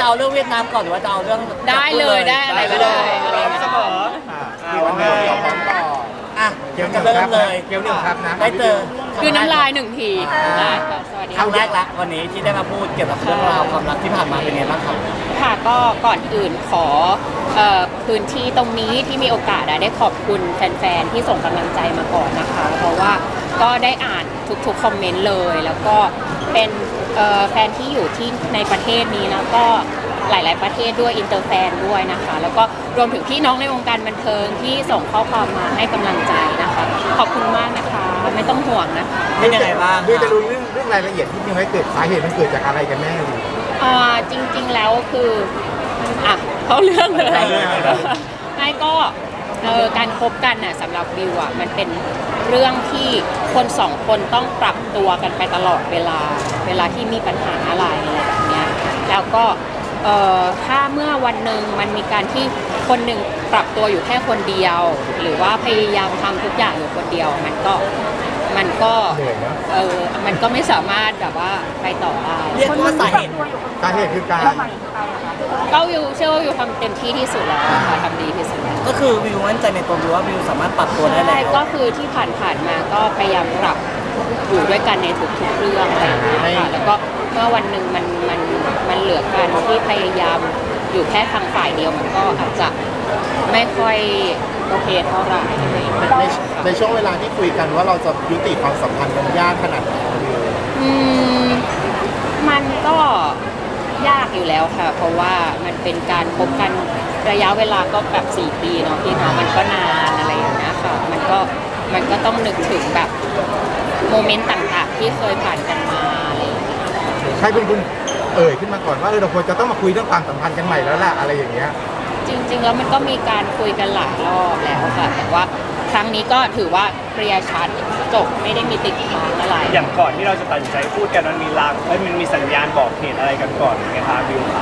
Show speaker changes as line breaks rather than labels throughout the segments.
จะเอาเรื่องเวียดนามก่อนหรือว่าจะเอาเรื่อง
ได้เลยได้อะไรก็ได้
พร้อมเสมอ
วันนี้เราพร้อมต่อ
อ่ะ
เกี่ยว
จะ
กับ
เริ่มเลย
เกี่ยวกับครับนะ
ได้เจอ
คือน้ำลายหนึ่งทีได้ค่ะสวัสดี
ครั้งแร
ค่ะ
กละวันนี้ที่ได้มาพูดเกี่ยวกับเรื่องราวความรักที่ผ่านมาเป็นไงบ้างครับ
ค่ะก็ก่อนอื่นขอพื้นที่ตรงนี้ที่มีโอกาสได้ขอบคุณแฟนๆที่ส่งกำลังใจมาก่อนนะคะ เพราะว่าก็ได้อ่านทุกๆคอมเมนต์เลย แล้วก็เป็นแฟนที่อยู่ที่ในประเทศนี้แล้วก็หลายๆประเทศด้วยอินเตอร์แฟนด้วยนะคะ แล้วก็รวมถึงพี่น้องในวงการบันเทิงที่ส่งข้อความมาให้กำลังใจนะคะ ขอบคุณมากนะคะไม่ต้องห่วงนะคะ
เป็นยังไงบ้าง
ด้วยจะรู้เรื่องรายละเอียดที่มีไว้เกิดสาเหตุมันเกิดจากอะไรกันแน่ดิ
จริงๆแล้วคืออ่ะเขาเรื่องเลย
เข้าเรื่องเลย
ไม่ก็การคบกันน่ะสำหรับวิวอ่ะมันเป็นเรื่องที่คนสองคนต้องปรับตัวกันไปตลอดเวลาที่มีปัญหาอะไรแบบเนี้ยแล้วก็ถ้าเมื่อวันหนึ่งมันมีการที่คนหนึ่งปรับตัวอยู่แค่คนเดียว หรือว่าพยายามทำทุกอย่างอยู่คนเดียวมันก็
เหนื่อยนะ
มันก็ไม่สามารถแบบว่าไปต่อได้
เรียกว่าสาเหตุ
สาเหตุคือการ
ก็วิวเชื่อว่าวิวทำเต็มที่ที่สุดแล้วค่ะทำดีที่สุดแล้ว
ก็คือวิวมั่นใจในตัววิวว่าวิวสามารถปรับตัวได้
ใช่
แล้ว
ก็คือที่ผ่านมาก็พยายามปรับอยู่ด้วยกันในทุกๆเรื่องอะไรอย่างเงี้ยค่ะแล้วก็เมื่อวันหนึ่งมันเหลือการที่พยายามอยู่แค่ทางฝ่ายเดียวมันก็อาจจะไม่ค่อยโอเคเท่าไหร่อะไรอย่างเงี้ย
ในช่วงเวลาที่คุยกันว่าเราจะยุติความสัมพันธ์มันยากขนาดไหน
อืมมันก็ยากอยู่แล้วค่ะ เพราะว่ามันเป็นการพบกันระยะเวลาก็แบบ4 ปีเนาะพี่เนาะมันก็นานอะไรอย่างเงี้ยค่ะมันก็ต้องนึกถึงแบบโมเมนต์ต่างๆที่เคยผ่านกันมาอะไรอย่างเงี้ย
ใครเป็นคนเอ่ยขึ้นมาก่อนว่าเราควรจะต้องมาคุยเรื่องความสัมพันธ์กันใหม่แล้วล่ะอะไรอย่างเงี้ย
จริงๆแล้วมันก็มีการคุยกันหลายรอบแล้วค่ะ แต่ว่าครั้งนี้ก็ถือว่าเคลียร์ชัดจบไม่ได้มีติดค้างอะไร
อย่างก่อนที่เราจะตัดสินใจพูดกันมันมีลางมันมีสัญญาณบอกเหตุอะไรกันก่อนไหมคะบิว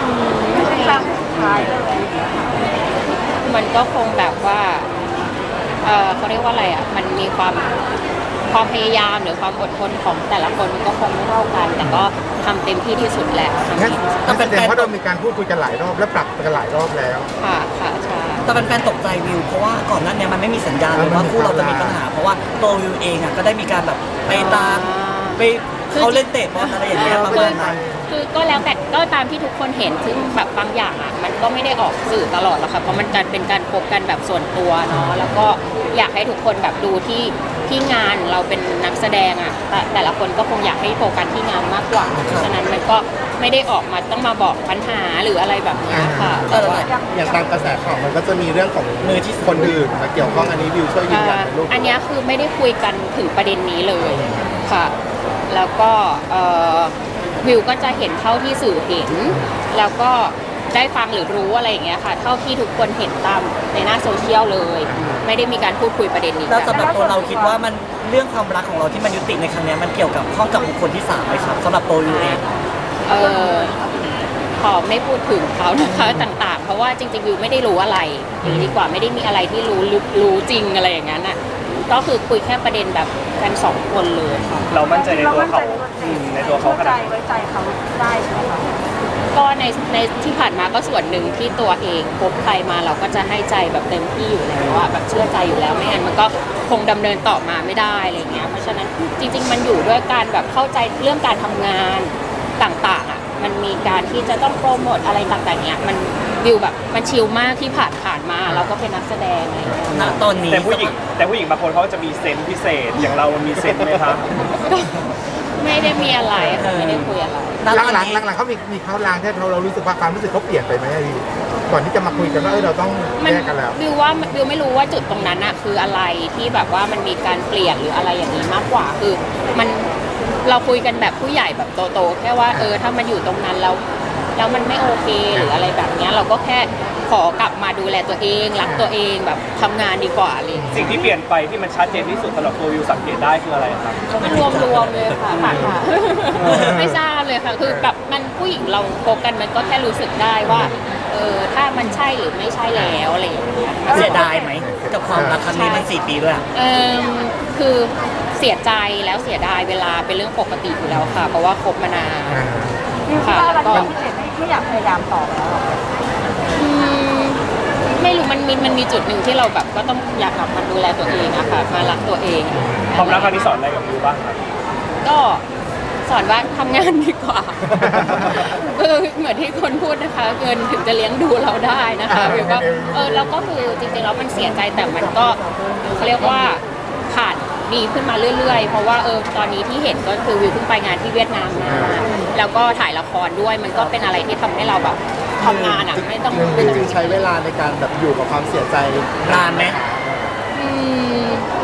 มันก็คงแบบว่าเขาเรียกว่าอะไรอ่ะ มันมีความพยายามหรือความอดทนของแต่ละคนมันก็คงไม่เท่ากัน แต่ก็ทำเต็มที่ที่สุดแล้วทำ
งั้น
ดีที่สุด
แสดงว่าเรามีการพูดคุยกันหลายรอบและปรับกันหลายรอบแล้ว
ค่ะค่ะใช่
แต่แฟนๆตกใจวิวเพราะว่าก่อนหน้านี้มันไม่มีสัญญาณเลยว่าคู่เราจะมีปัญหา เพราะว่าตัววิวเองอ่ะก็ได้มีการแบบไปตามไปเขาเล่นเตะบอลอะไรอย่างเงี้ยประมาณนั้น
คือก็แล้วแต่ก็ตามที่ทุกคนเห็นซึ่งแบบบางอย่างอ่ะมันก็ไม่ได้ออกสื่อตลอดหรอกค่ะเพราะมันการเป็นการพบกันแบบส่วนตัวเนาะแล้วก็อยากให้ทุกคนแบบดูที่งานเราเป็นนักแสดงอ่ะแต่ละคนก็คงอยากให้โฟกัสที่งานมากกว่าเพราะฉะนั้นมันก็ไม่ได้ออกมาต้องมาบอกปัญหาหรืออะไรแบบนี้ค่ะแต่ว่า
อย่างตามกระแสข่าวมันก็จะมีเรื่องของมือที่คนอื่นมาเกี่ยวข้องอันนี้วิวช่วยยืนยันในรูป
อันเนี้ยคือไม่ได้คุยกันถึงประเด็นนี้เลยค่ะ แล้วก็วิวก็จะเห็นเท่าที่สื่อเห็น แล้วก็ได้ฟังหรือรู้อะไรอย่างเงี้ยค่ะ เท่าที่ทุกคนเห็นตามในหน้าโซเชียลเลย ไม่ได้มีการพูดคุยประเด็นนี้
แล้ว
กัน
สำหรับตัวเราคิดว่ามันเรื่องความรักของเราที่มันยุติในครั้งเนี้ยมันเกี่ยวกับข้องกับบุคคลที่3ไหมครับสำหรับตัววิวเอง
เออขอไม่พูดถึงเขานะคะต่างๆ เพราะว่าจริงๆวิวไม่ได้รู้อะไรอย่างนี้ดีกว่าไม่ได้มีอะไรที่รู้ลึกรู้จริงอะไรอย่างนั้นอ่ะก็คือคุยแค่ประเด็นแบบกัน2 คนเลยค่ะ
เรามั่นใจในตัวเขาในตัวเขาขนาด
ไว้ใจเขาได้ใช่ไหมคะ
ก็ในที่ผ่านมาก็ส่วนหนึ่งที่ตัวเองพบใครมาเราก็จะให้ใจแบบเต็มที่อยู่แล้วว่าแบบเชื่อใจอยู่แล้วไม่งั้นมันก็คงดำเนินต่อมาไม่ได้อะไรเงี้ยเพราะฉะนั้นจริง ๆ มันอยู่ด้วยการแบบเข้าใจเรื่องการทำงานต่างๆอ่ะมันมีการที่จะต้องโปรโมทอะไรต่างๆเนี้ยมันวิวแบบมันชิลมากที่ผ่านมาเราก็เป็นนักแสดงอะไรเงี้ย
ณตอนนี้
แต่ผู้หญิงบางคนเขาจะมีเซนส์พิเศษ อย่างเรามันมีเซนส์ไหมครับ
ไม่ได้มีอะไรค่ะไม่ได้คุยอะไร
หลังเขามีเขาลางที่เรารู้สึกว่าความรู้สึกเขาเปลี่ยนไปไหมพี่ก่อนที่จะมาคุยกันว่าเราต้อง
มัน
แยกกันแล้ว
วิวว่าวิวไม่รู้ว่าจุดตรงนั้นอะคืออะไรที่แบบว่ามันมีการเปลี่ยนหรืออะไรอย่างนี้มากกว่าคือมันเราคุยกันแบบผู้ใหญ่แบบโตๆแค่ว่าถ้ามันอยู่ตรงนั้นแล้วมันไม่โอเคหรืออะไรแบบเนี้ยเราก็แค่ขอกลับมาดูแลตัวเองรักตัวเองแบบทำงานดีกว่าอะไรอย่างเลย
สิ่งที่เปลี่ยนไปที่มันชัดเจนที่สุดสำหรับตัววิวสังเกตได้คืออะไรครับ
รวมเลยค่ะค่ะไม่ทราบเลยค่ะคือแบบมันผู้หญิงเราโฟกันมันก็แค่รู้สึกได้ว่าถ้ามันใช่หรือไม่ใช่แล้วอะไรอย่างเงี้ย
เสียดายไหมกับความรักครั้งนี้มัน4 ปีด้วยอะ
คือเสียใจแล้วเสียดายเวลาเป็นเรื่องปกติอยู่แล้วค่ะ เพราะว่าคบมานานค่ะแล้วก็
ไม่อยากพยายามต่อแล้วหรอ
อืมไม่รู้มันมีจุดหนึ่งที่เราแบบก็ต้องอยากกลับมาดูแลตัวเองอะค่ะมารักตัวเอง
ความรักครั้งนี้สอนอะไรกับวิวบ้างครับ
ก็สอนว่าทำงานดีกว่าเหมือนที่คนพูดนะคะเงินถึงจะเลี้ยงดูเราได้นะคะวิวก็เราก็คือจริงๆแล้วมันเสียใจแต่มันก็เขาเรียกว่าผ่านดีขึ้นมาเรื่อยๆเพราะว่าตอนนี้ที่เห็นก็คือวิวเพิ่งไปงานที่เวียดนามมาแล้วก็ถ่ายละครด้วยมันก็เป็นอะไรที่ทำให้เราแบบทำงานอ่ะไม่ต้อง
จริงๆใช้เวลาในการแบบอยู่กับความเสียใจ
นานไหม
อืม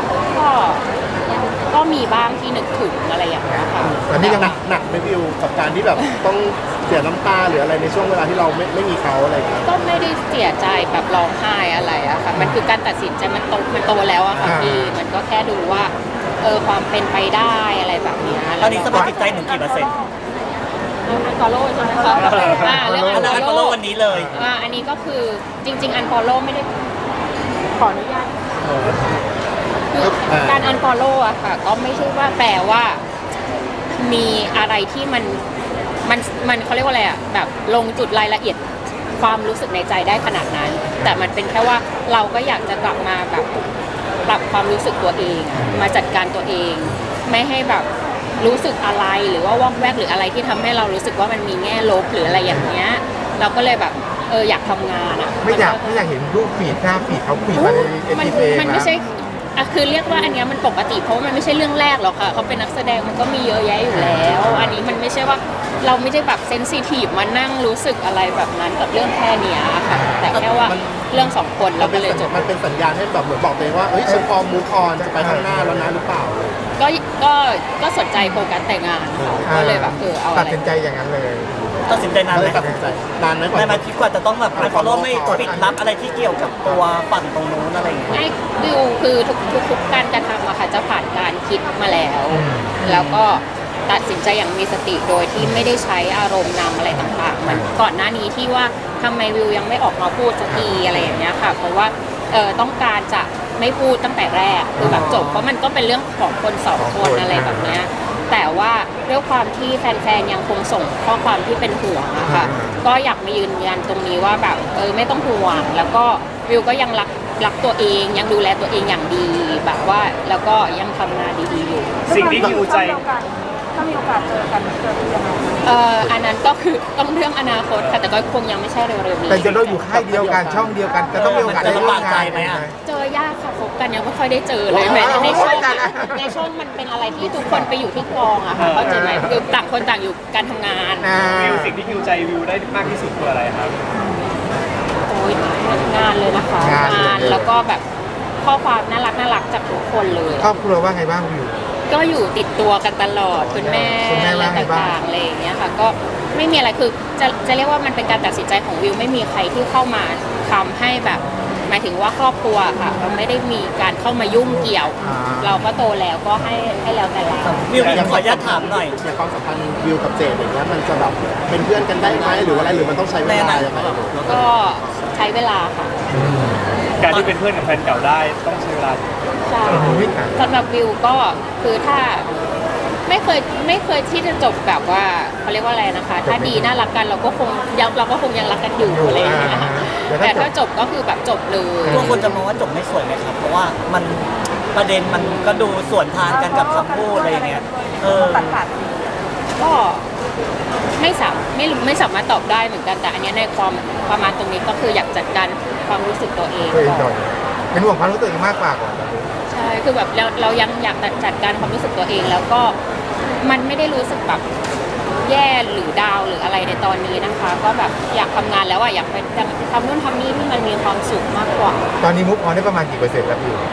ก็มีบ้างที่นึกถึงอะไรอย่างเงี้ยค่ะ
ตอนนี้ยัง
หนักไหม่วิวกับการที่แบบต้องเสียน้ำตาหรืออะไรในช่วงเวลาที่เราไม่มีเขาอะไรอย่างเงี้ย
ก็ไม่ได้เสียใจแบบร้องไห้อะไรอะค่ะ มันคือการตัดสินใจมันโตแล้วอะค่ะพี่มันก็แค่ดูว่าความเป็นไปได้อะไรแบบเนี้ย
ตอนนี้สภาพจิตใจหนูกี่เปอร์เซ็นต์
อันฟอลโล่ใช่ไหมคะเรื่อง
อันนั้น
อันฟ
ก็
อล
โล
โล่
กวันนี้เลย
อันนี้ก็คือจริง ๆ อันฟอลโล่ไม่ได้ขออนุญาตคือการอันฟอลโล่อะค่ะ ก็ไม่ใช่ว่าแปลว่ามีอะไรที่มันเขาเรียกว่าอะไรอะแบบลงจุดรายละเอียดความรู้สึกในใจได้ขนาดนั้น แต่มันเป็นแค่ว่าเราก็อยากจะกลับมาแบบปรับความรู้สึกตัวเองอะมาจัดการตัวเอง ไม่ให้แบบรู้สึกอะไรหรือว่าวอกแวกหรืออะไรที่ทำให้เรารู้สึกว่ามันมีแง่ลบหรืออะไรอย่างเงี้ยเราก็เลยแบบอยากทำงานอะ
ไม่อยากเห็นรูปฟีดหน้าฟีดเขาฟีดมาในเอ
มัน
ทีเอง
มันไม่ใช่คือเรียกว่าอันเนี้ยมันปกติเพราะว่ามันไม่ใช่เรื่องแรกหรอกค่ะเขาเป็นนักแสดงมันก็มีเยอะแยะอยู่แล้ว อันนี้มันไม่ใช่ว่าเราไม่ได้แบบเซนซิทีฟมานั่งรู้สึกอะไรแบบนั้นกับเรื่องแค่เนี้ยค่ะแต่แค่ว่าเรื่องสองคนเราก็เลยจบ
มันเป็นสัญญาณให้แบบเหมือนบอกตัวเองว่าเอ้ยฉันพร้อมมูฟออนจะไปข้างหน้าแล้วนะหรือเปล่า
ก็สนใจโฟกัสแต่งานก็เลยแบบเอาอะ
ตัด
ไร
สินใจอย่างนั้นเลย
ตัดสินใจนาน
เล
ไหม
ยตัดสินใจนานไหมก่อน
ในมาคิดกว่าจะต้องแบบอันฟอลโล่ไม่ปิดลับอะไรที่เกี่ยวกับตัวฝั่งตรงนู้นอะไรอย่างเงี้ย
ไอ้วิวคือทุกการกระทำอะค่ะจะผ่านการคิดมาแล้ว แล้วก็ตัดสินใจอย่างมีสติโดยที่ไม่ได้ใช้อารมณ์นำอะไรต่างๆมันก่อนหน้านี้ที่ว่าทำไมวิวยังไม่ออกมาพูดสักทีอะไรอย่างเงี้ยค่ะเพราะว่าต้องการจะไม่พูดตั้งแต่แรกคือแบบจบเพราะมันก็เป็นเรื่องของคนสองคนอะไรแบบเนี้ยแต่ว่าด้วยความที่แฟนๆยังคงส่งข้อความที่เป็นห่วงอะค่ะก็อยากมายืนยันตรงนี้ว่าแบบไม่ต้องห่วงแล้วก็วิวก็ยังรักตัวเองยังดูแลตัวเองอย่างดีแบบว่าแล้วก็ยังทำงานดีๆอยู่
สิ่งที่ฮิวใจ
ถ้ามีโอกาสเจอกันยังไง
อันนั้นก็คือต้องเรื่องอนาคตค่ะแต่ก็คงยังไม่ใช่เร็วๆนี้
แต่จะเราอยู่ค่ายเดียวกันช่องเดียวกันจะต้องมีโอกาสได้ร่วมงานไหม
เจอยากค่ะคบกันยังไม่ค่อยได้เจอเลยแม้ในช่วงในช่วงมันเป็นอะไรที่ทุกคนไปอยู่ที่กองอะค่ะเข้าใจไหมคือต่างคนต่างอยู่การทำงาน
วิวสิ่งที่ฮิวใจวิวได้มากที่สุดคืออะไรครับ
โอ้ยงานเลยนะคะงานแล้วก็แบบข้อความน่ารักจากทุกคนเลย
ครอบครัวว่าไงบ้างวิว
ก็อยู่ติดตัวกันตลอดคุณแม่
คุณแม่
อะไร
ว่าไงบ้าง
ต่างๆอะไรอย่างเงี้ยค่ะก็ไม่มีอะไรคือจะเรียกว่ามันเป็นการตัดสินใจของวิวไม่มีใครที่เข้ามาทำให้แบบหมายถึงว่าครอบครัวค่ะเราไม่ได้มีการเข้ามายุ่งเกี่ยว เราก็โตแล้วก็ให้แล้วแต่เรา
วิวขออนุญาตถามหน่อย
ในความสัมพันธ์วิวกับเจดอย่างเงี้ยมันจะแบบเป็นเพื่อนกันได้ไหมหรือว่าอะไรหรือมันต้องใช้เวลายังไง
ก็ใช้เวลาค่ะ
การที่เป็นเพื่อนกับแฟนเก่าได้ต้องใช้เวลา
ใช่
โอ้ย
สำหรับวิวก็คือถ้าไม่เคยที่จะจบแบบว่าเขาเรียกว่าอะไรนะคะ ถ้าดีน่ารักกันเราก็คงยังรักกันอยู่อะไรอย่างเงี้ยแต่ถ้าจบก็คือแบบจบเลย
ตัวคนจะมองว่าจบไม่สวยไหมครับ เพราะว่ามันประเด็นมันก็ดูสวนทางกันกับคำพูดอะไรอย่างเงี้ย
ตัด
ก็ไม่สามารถตอบได้เหมือนกันแต่อันเนี้ยในความประมาณตรงนี้ก็คืออยากจัดการความรู้สึกตัวเอง
ตัวเอง
ก่
ก่
อ
อน นเป็นห่วงความรู้สึกตัวเองมากกว่าก่อน
ใช่คือแบบเรายังอยากจัดการความรู้สึกตัวเองแล้วก็มันไม่ได้รู้สึกแบบแย่หรือดาวหรืออะไรในตอนนี้นะคะ ก็แบบอยากทำงานแล้วอยากไปทำนู่นทำนี่ที่มันมีความสุขมากกว่า
ตอนนี้มุกออนได้ประมาณกี่เปอร์เซ็นต์แล้ววิว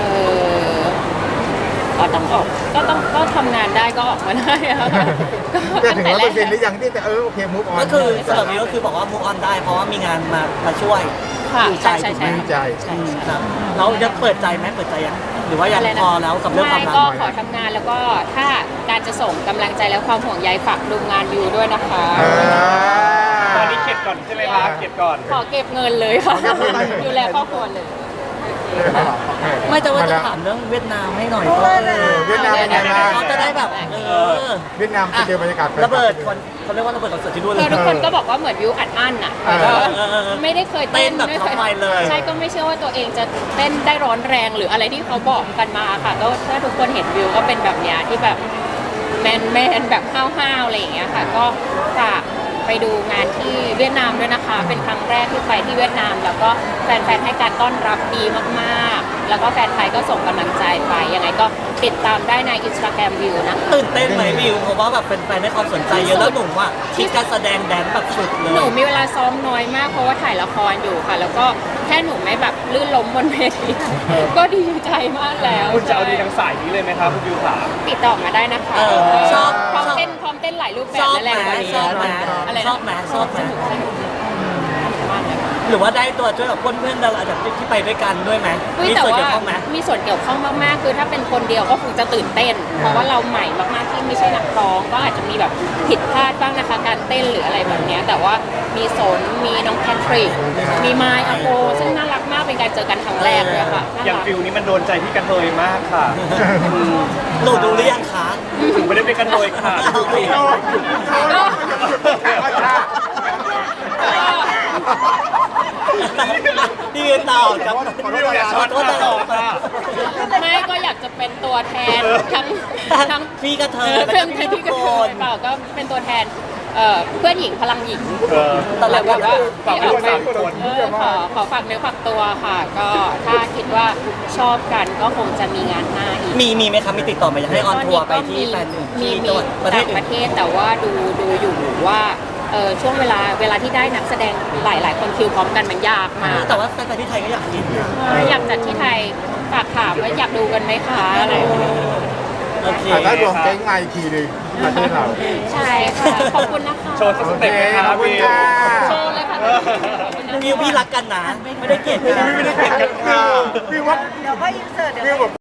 ก็ต้องออกก็ทำงานได้ก็ออกมาได้อะ
จะถึง100%หรือยังที่แต่โอเคมุกออน
ก็คือสำหรับวิวก็คือบอกว่า move on ได้เพราะว่ามีงานมาช่วย
ค่ะ
ดูใจ
ใช่
ถูกไหม
ดีใจ
ใช่
ครับเรายังเปิดใจไหมเปิดใจยังหรือว่ายัง
อะไรนะ
พอแล้วกับเรื่องความ
ไม่
รัก
ก็ขอทำงานแล้วก็ถ้าการจะส่งกำลังใจและความห่วงใยฝากดูงานวิวด้วยนะคะ
ตอนนี้เข็ดก่อนใช่ไหมครับเข็ดก่อน
ขอเก็บเงินเลยค่ะดูแลครอบครัวเลย
โ
ไม่จะว่าจะถามเรื่องเวียดนามให้หน่อยก็
เวียดนามเป็นไงบ้าง
เขาจะได้แบบ
เวียดนามไปเจอบรรยากาศ
ระเบิดเขาเรียกว่าระเบิดคอนเสิร์ตที่นู่นเล
คือย ทุกคนก็บอกว่าเหมือนวิวอัดอั้นอ่ะแต่ก็ไม่ได้เคยเต้น
เต้นแบบ
ไม่เคย
ทำไมเลย
ใช่ก็ไม่เชื่อว่าตัวเองจะเต้นได้ร้อนแรงหรืออะไรที่เขาบอกกันมาค่ะก็ถ้าทุกคนเห็นวิวก็เป็นแบบเนี้ยที่แบบแมนแบบห้าวๆอะไรอย่างเงี้ยค่ะก็ฝากไปดูงานที่เวียดนามด้วยนะคะ เป็นครั้งแรกที่ไปที่เวียดนาม แล้วก็แฟนๆให้การต้อนรับดีมากๆ แล้วก็แฟนไทยก็ส่งกำลังใจไปยังไงก็ติดตามได้ใน Instagram วิวนะคะ
ตื่นเต้นไหมวิวเพราะว่าแบบแฟนๆให้ความสนใจเยอะแล้วหนุ่มว่าคิดการแสดงแดนแบบสุดเล
หนู
ย
มีเวลาซ้อมน้อยมากเพราะว่าถ่ายละครอยู่ค่ะ แล้วก็แค่หนูไม่แบบลื่นล้มบนเวทีก็ดีใจมากแล้ว
คุณจะเอาดีทางสายนี้เลยไหมครับคุณวิวขา
ติดต่อมาได้นะคะ
ชอบ
พร้อมเต้นหลายรูปแบ
ช
บ
อบ
และแรงกว่านี้
ชอบไหม
อะไรนะ
ชอบไหมชอบไหม
มากเลยค่ะ
หรือว่าได้ตัวช่วยกับเพื่อนๆดาราแบบที่ไปด้วยกันด้วยไหม
อุ๊ย
มี
แต่
ส่วน
ว่า
เกี่ยวข้องไหม
มีส่วนเกี่ยวข้องมากๆ คือถ้าเป็นคนเดียวก็คงจะตื่นเต้น เพราะว่าเราใหม่มากๆที่ไม่ใช่นักร้องก็อาจจะมีแบบผิดพลาดบ้างนะคะการเต้นหรืออะไรแบบเนี้ยแต่ว่ามีสนมีน้องแพทริกมีไมค์อโปซึ่งน่ารักมากเป็นการเจอกันครั้งแรกเลยค่ะน่า
อย่าง
รัก
ฟิลนี้มันโดนใจพี่กระเทยมากค่ะ
หนูดูหรือยังคะ
ถึงไม่ได้เป็นกระเทยค่ะ
พี่ยืนต่อกับ
วิวอย่าช็อตค่ะต่อค่ะ
ไม่ก็อยากจะเป็นตัวแทนทั้ง
พี่กระเทย
เพื่อน
พี่
ที่
ทุ
ก็
กคน
เปล่าก็เป็นตัวแทนเพื่อนหญิงพลังหญิง
ตอนแรก
แบบว่า
ฝากไว้ด้วยสามคน
ขอฝากเนื้อฝากตัวค่ะ ก็ถ้าคิดว่าชอบกันก็คงจะมีงานหน้าอีก
มีไหมครับมีติดต่อมาอยากให้ออนทัวร์ไปที่แฟนหนึ่ง
มี
ที่จังหวัดประเทศ
ต่าง
อื่
ป
น
ระเทศแต่ว่าดูอยู่ว่าช่วงเวลาที่ได้นักแสดงหลายคนคิวพร้อมกันมันยากมาก
แต่ว่าแฟนๆที่ไทยก็อยากกินนะ
อยากจัดที่ไทยฝากถามว่าอยากดูกันไหมคะอะไรอย่างเงี้ย
โอเค
ถ้ารวมแก๊งมาอีกทีหนึงประเทศเรา
ใช่ค่ะขอบคุณนะคะ
โชว์สักสเต็ปไหมครับ
ขอบคุณ
วิว
ค่ะ
โชว์เลยค่ะขอบคุณนะคะ
วิวพี่รักกันนะ ไม่ได้เกลียดกัน
ไม่ได้เก่งกันค่ะพี่ว่า
เดี๋ยวก็อินเสิร์ตเดี๋ยว
พี่
ก็
แบบ